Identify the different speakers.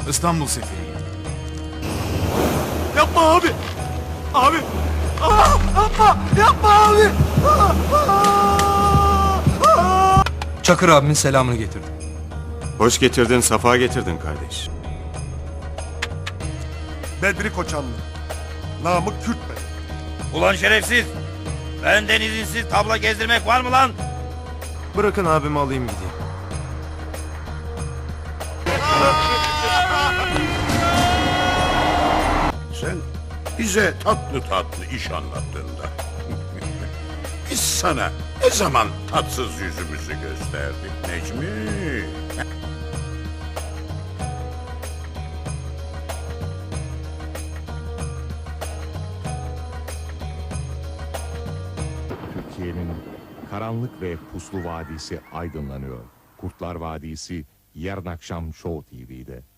Speaker 1: İstanbul seferi.
Speaker 2: Yapma abi. Abi. Yapma. Yapma abi.
Speaker 3: Çakır abimin selamını getirdim.
Speaker 4: Hoş getirdin, safa getirdin kardeş.
Speaker 2: Bedri Koçanlı. Namık Kürt Bey.
Speaker 5: Ulan şerefsiz! Benden izinsiz tabla gezdirmek var mı lan?
Speaker 1: Bırakın abimi alayım gideyim.
Speaker 6: Sen bize tatlı tatlı iş anlattığında biz sana ne zaman tatsız yüzümüzü gösterdik Necmi?
Speaker 7: Türkiye'nin karanlık ve puslu vadisi aydınlanıyor. Kurtlar Vadisi yarın akşam Show TV'de.